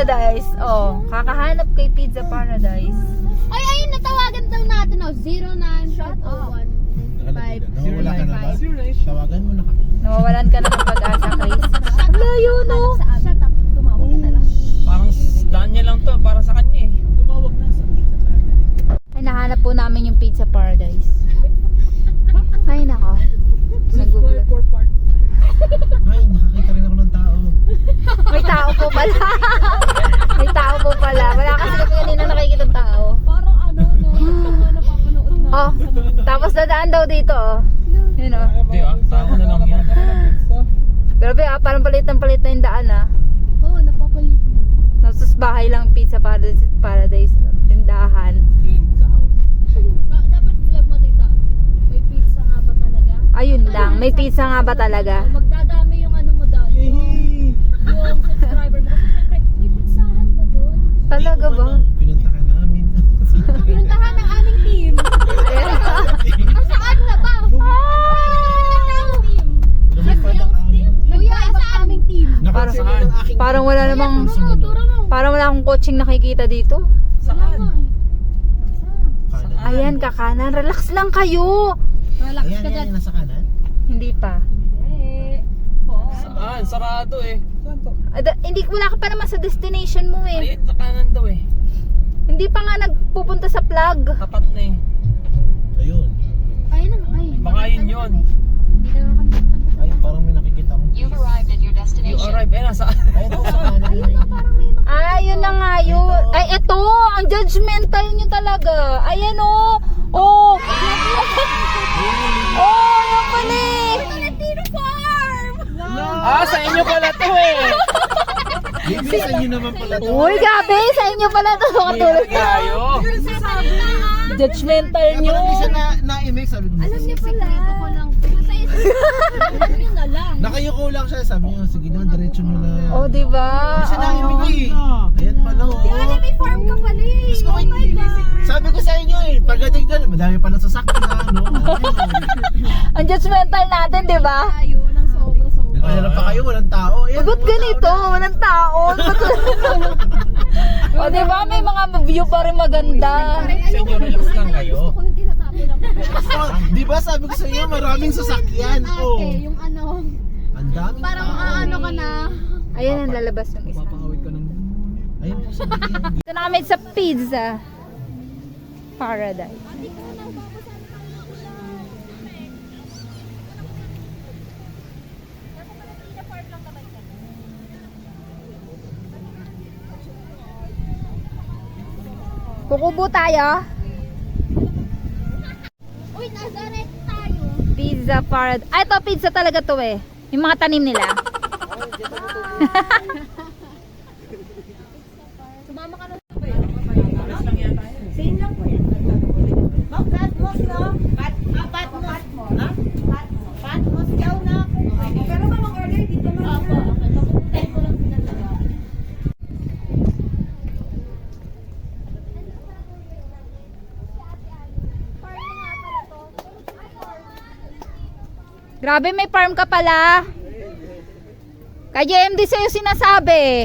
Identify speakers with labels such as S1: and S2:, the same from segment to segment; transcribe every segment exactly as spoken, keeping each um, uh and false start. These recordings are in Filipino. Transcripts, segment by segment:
S1: Paradise. Oh, kakahanap kay Pizza Paradise.
S2: Ay, ayun, natawagan daw natin, oh. zero nine oh one five
S3: Nawawala ka na ba? Tawagan mo na kami.
S1: Nawawalan ka na ng pag-asa, Chris. Ang layo, no?
S2: Shut up. Tumawag ka na lang.
S4: Parang daan niya lang to, para sa kanya eh.
S3: Tumawag na sa Pizza Paradise.
S1: Ay, nahanap po namin yung Pizza Paradise. Ay, nako. Sa Google.
S3: Ay, nakakita rin ako ng tao.
S1: May tao po pala. May tao po pala. Wala kasi kami kanina nakikita ng tao.
S2: Parang ano, no? Napapanood na.
S1: Oh, tapos dadaan daw dito, oh. Yun, oh.
S4: Hindi ah, tao na lang yan.
S1: Grabe, ah. Parang palit ng palit na yung daan, ah.
S2: Oo, oh, napapalit mo.
S1: Tapos bahay lang Pizza Paradise, Paradise tindahan.
S2: Da- dapat vlog mo, tita. May pizza nga ba talaga?
S1: Ayun lang, may pizza nga ba talaga?
S2: Magdadami yung ano mo daw. Yung, yung subscriber mo. Kasi syempre, may pizzahan ba doon?
S1: Talaga ba?
S3: Pinunta ka namin.
S2: Pinuntahan ng aming team. Ah, saan na ba? Ah!
S3: Lumipad ang amin.
S2: Kuya, sa aming team.
S3: Nakasama
S4: Parang-
S3: ng aking
S1: Parang wala namang,
S2: Turo mo, turo mo.
S1: parang wala akong coaching nakikita dito.
S4: Saan?
S3: kanan.
S1: Ayan, kakanan. Relax lang kayo.
S2: Relax
S3: Ayan,
S2: ka
S3: ayan,
S2: dyan.
S3: nasa kanan.
S1: Hindi pa.
S2: Eh,
S4: Saan? Sarado eh.
S1: Ada, hindi, wala ka pa naman sa destination mo eh.
S4: Ayun, sa kanan daw eh.
S1: Hindi pa nga nagpupunta sa plug.
S4: Tapat na eh.
S3: Ayun.
S2: ayun na, ay.
S4: Baka yun yun.
S2: Hindi na nga kami nakakanta.
S3: Ay, parang may nakikita mo.
S5: You've arrived at your
S4: You
S5: destination.
S4: arrive, eh nasa...
S3: Ayun, ako sa kanan.
S2: Ayun na, parang may
S1: Ah, yun na nga yun. Ay, eto. Ang judgmental nyo talaga. Ayan o. Oh. Oh, yan pala eh.
S2: Valentino Farm!
S4: Ah, sa inyo pala to eh.
S3: Baby, sa inyo naman pala to.
S1: Uy, gabi. Sa inyo pala ito. Katulad na.
S4: Kayo.
S2: Sasabi na ah!
S1: Judgmental
S3: Kaya
S1: nyo.
S3: parang isa na, na-imake, sabi ko.
S2: Alam niyo pala. Sekreto ko lang. Sa iyo, alam niyo na lang.
S3: Nakayuko lang siya, sabi niyo, sige na, diretso mo na.
S1: Oh, diba?
S3: Hindi siya na-imake eh. Ayan pala oh.
S2: Di ba may farm ka pala eh?
S3: Diyos ko,
S2: Oh my God!
S3: sabi ko sa inyo eh, pagdating doon, madami pa ng sasakyan, no?
S1: Ang judgmental natin, di ba?
S2: Tayo ng sobra-sobra.
S3: Nagpahanap pa kayo, walang tao. Ayan,
S1: Ba't
S3: walang
S1: ganito?
S3: tao na.
S1: Walang tao. O, di ba? May mga view pa rin maganda.
S4: Sa inyo, relax lang kayo.
S2: Gusto ko yung tinatabi lang.
S3: Oh, di ba sabi ko sa inyo, maraming sasakyan. Oh.
S2: Ate, yung ano,
S3: Ang daming
S2: parang
S3: tao.
S2: ano ka na.
S1: Ayan ang lalabas yung isa.
S3: Ayun po sa bigyan.
S1: Ito na kami sa Pizza Paradise. Kukubo tayo.
S2: Uy, Nazareth tayo.
S1: Pizza Paradise. Ay, ito pizza talaga to eh. Yung mga tanim nila.
S2: Sumama ka na.
S6: Same lang po yan. Ma'am, Patmos, no? Pat, ah, Patmos. Ha? Patmos. Patmos daw na. Pero ma'am, ang order dito ma'am.
S2: Apo, okay. Papuntahin ko lang sila talaga.
S1: Grabe, may farm ka pala. Kaya M D sa'yo sinasabi.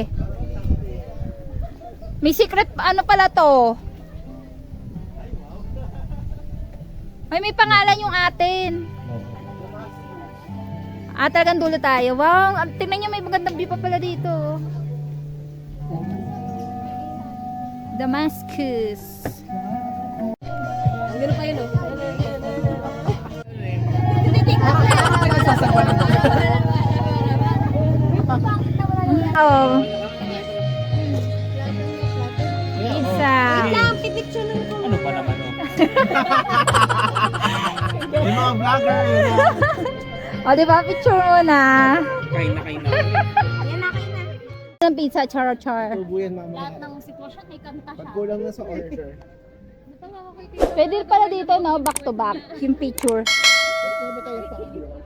S1: May secret ano pala to. Ay, may pangalan yung atin. Ah, talagang dulo tayo. Wow, ang- tingnan nyo, may magandang view pa pala dito. Damascus.
S2: Ganun pa yun, oh.
S1: Oh. Pizza.
S2: Pipicture lang ko.
S4: Ano pa naman oh.
S3: Yung mga vlogger.
S1: O, di ba? Picture mo na.
S4: Kain na kain na.
S2: Yan na kayo na.
S1: Ang pizza, char-char.
S3: Tubuyan mama.
S2: Lahat ng sitwasyon may kanta siya.
S3: Pagkulang na sa order.
S2: Ba't ang ako kay Tito?
S1: Pwede pala dito, no? Back to back. Yung picture.
S3: Ba't ba tayo pa?